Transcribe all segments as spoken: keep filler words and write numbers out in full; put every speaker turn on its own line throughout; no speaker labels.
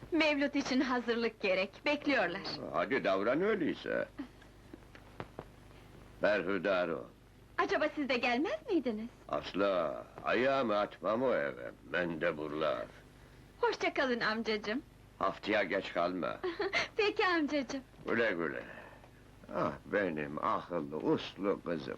Mevlüt için hazırlık gerek, bekliyorlar.
Hadi davran öyleyse. Berhudar ol.
Acaba siz de gelmez miydiniz?
Asla, ayağımı atmam o eve, mendebullar.
Hoşça kalın amcacığım.
Haftaya geç kalma.
Peki amcacığım.
Güle güle. Ah benim akıllı, uslu kızım.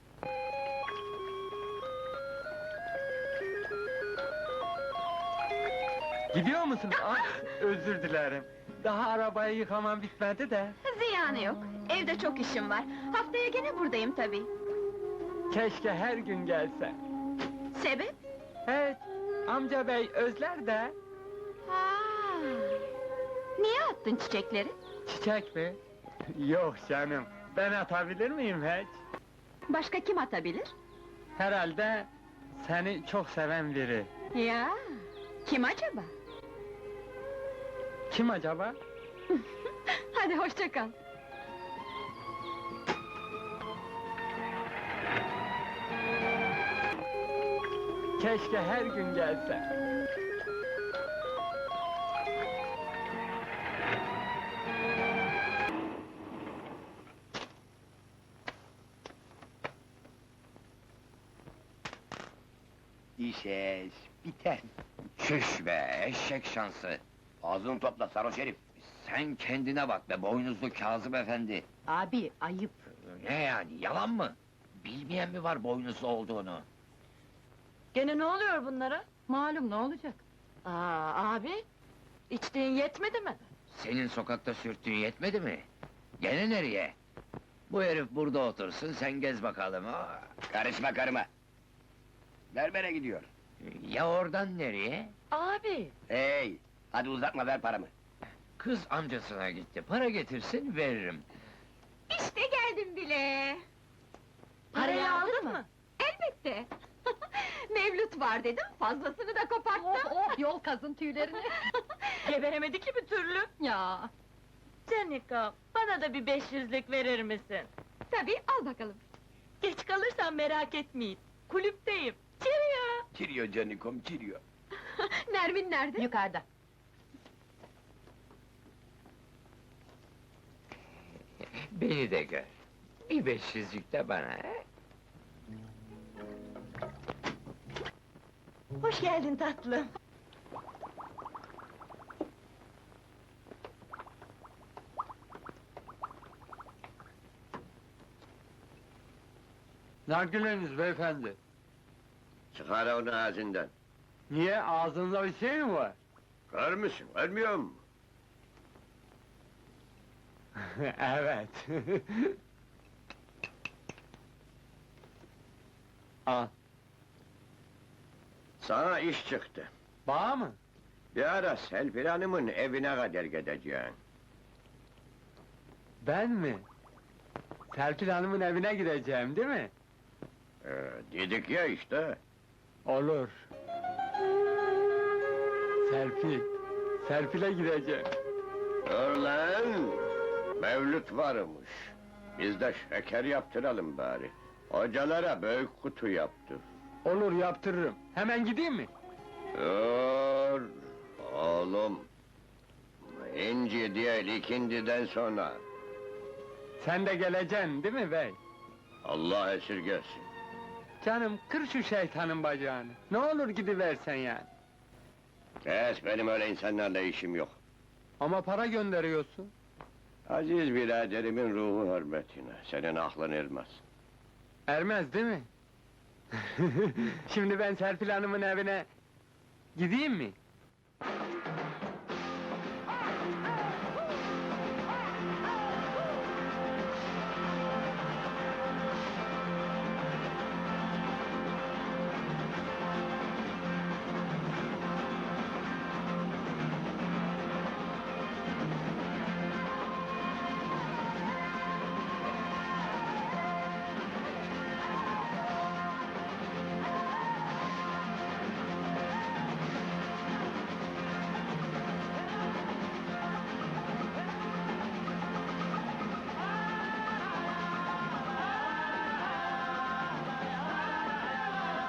Gidiyor musun? Ah, özür dilerim. Daha arabayı yıkamam bitmedi de.
Ziyanı yok, evde çok işim var. Haftaya gene buradayım tabii.
Keşke her gün gelse.
Sebep?
Evet, amca bey özler de.
Ha. Niye attın çiçekleri?
Çiçek mi? Yok canım, ben atabilir miyim hiç?
Başka kim atabilir?
Herhalde seni çok seven biri.
Ya, kim acaba?
Kim acaba?
Hadi hoşça kal.
Keşke her gün gelse.
İşeş, biter. Çüş be, eşek şansı! Ağzını topla sarhoş herif! Sen kendine bak be, boynuzlu Kazım efendi!
Abi, ayıp!
Ne yani, yalan mı? Bilmeyen mi var boynuzlu olduğunu?
Gene ne oluyor bunlara? Malum, ne olacak? Aa, abi! İçtiğin yetmedi mi?
Senin sokakta sürttüğün yetmedi mi? Gene nereye? Bu herif burada otursun, sen gez bakalım! Aa! Karışma karıma! Berbere gidiyor! Ya oradan nereye?
Abi!
Hey! Hadi uzatma, ver paramı! Kız amcasına gitti, para getirsin, veririm!
İşte geldim bile.
Parayı aldın mı?
Elbette. Mevlüt var dedim, fazlasını da koparttım.
Oh, oh, yol kazın tüylerini! Geberemedi ki bir türlü! Ya! Canika, bana da bir beş yüzlük verir misin?
Tabii, al bakalım.
Geç kalırsan merak etmeyin, kulüpteyim! Cheerio!
Kiriyor canikom, kiriyor!
Nermin nerede?
Yukarıda!
Beni de gör! Bir beş yüzlük de bana, he?
Hoş geldin tatlım!
Nargileniz beyefendi.
Çıkar onu ağzından.
Niye, ağzınızda bir şey mi var?
Kör müsün, görmüyor musun?
Evet. Al,
Sana iş çıktı.
bağ mı?
Bir ara Selfie Hanım'ın evine kadar gideceksin.
Ben mi? Serpil Hanım'ın evine gideceğim, değil mi?
Ee, dedik ya işte.
Olur. Serpil, Serpil'e gideceğim.
Dur lan! Mevlüt varmış. Biz de şeker yaptıralım bari. Hocalara büyük kutu yaptır.
Olur, yaptırırım. Hemen gideyim mi?
Dur! Oğlum! İnci değil, ikindiden sonra.
Sen de geleceksin, değil mi bey?
Allah esirgesin.
Canım, kır şu şeytanın bacağını. Ne olur gidiversen yani.
Kes, benim öyle insanlarla işim yok.
Ama para gönderiyorsun.
Aziz biraderimin ruhu hürmetine, senin aklın ermez.
Ermez, değil mi? Şimdi ben Serpil Hanım'ın evine gideyim mi?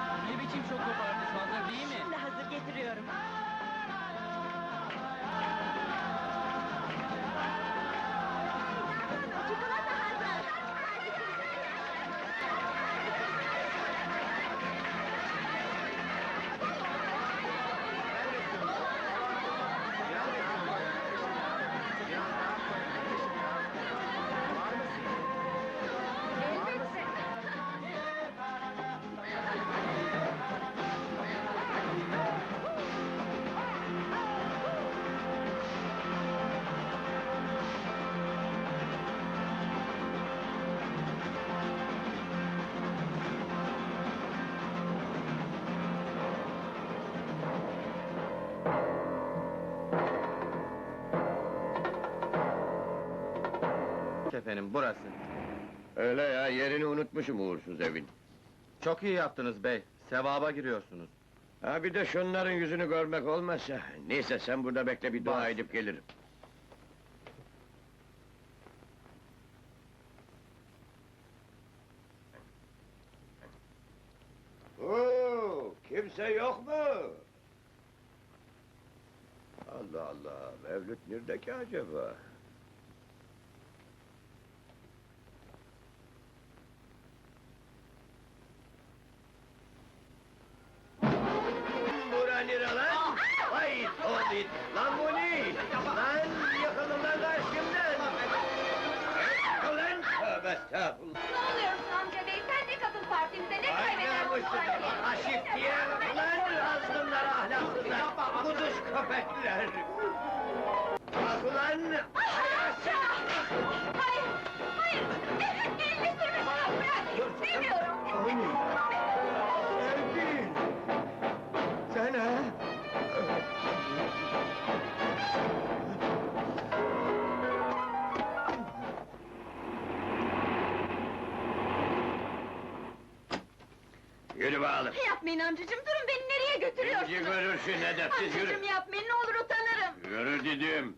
Şimdi hazır getiriyorum.
Efendim, burası.
Öyle ya, yerini unutmuşum uğursuz evin.
Çok iyi yaptınız bey, sevaba giriyorsunuz.
Ha bir de şunların yüzünü görmek olmazsa... Neyse sen burada bekle, bir dua
Baş.
edip gelirim. Oo, kimse yok mu? Allah Allah, Mevlüt nerede ki acaba? Bura nere lan? Vay Tobit! Lan bu ne? Lan yıkılın lan karşımdan! Ulan tövbe estağfurullah!
Ne oluyorsun amca bey? Sen de katıl partimize, ne
Ay
kaybedersin
namussuz!
sanki?
Aşif diye! Ulan azgınlar, ahlaksızlar! Kuduş köpekler! Bak ulan!
Aşağı! Hayır, hayır! Elini sürme bana, bırak! İstemiyorum!
Sevgin! Sen ha? Yürü bakalım!
Yapmayın amcacığım, durun beni nereye
Bizi
götürüyorsunuz?
görürsün edepsiz, yürü!
Amcacığım yapmayın, ne olur utanırım!
Yürü dedim!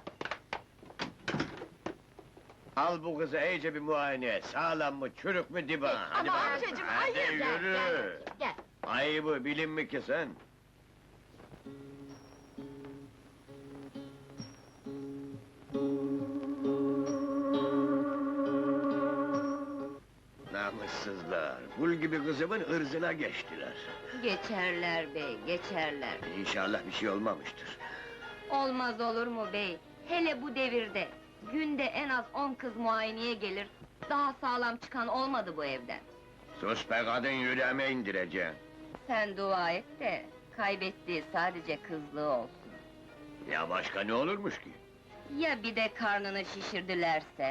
Al bu kızı iyice bir muayene et, sağlam mı, çürük mü diba? Hadi
Ama
bakalım.
amcacığım,
Hadi
hayır! Gel,
yürü!
gel, gel!
Ayıbı bilin mi ki sen? Namussuzlar, kul gibi kızımın ırzına geçtiler.
Geçerler bey, geçerler.
İnşallah bir şey olmamıştır.
Olmaz olur mu bey? Hele bu devirde, günde en az on kız muayeneye gelir, daha sağlam çıkan olmadı bu evden.
Sus be kadın, yüreğime indireceğim.
Sen dua et de, kaybettiği sadece kızlığı olsun.
Ya başka ne olurmuş ki?
Ya bir de karnını şişirdilerse?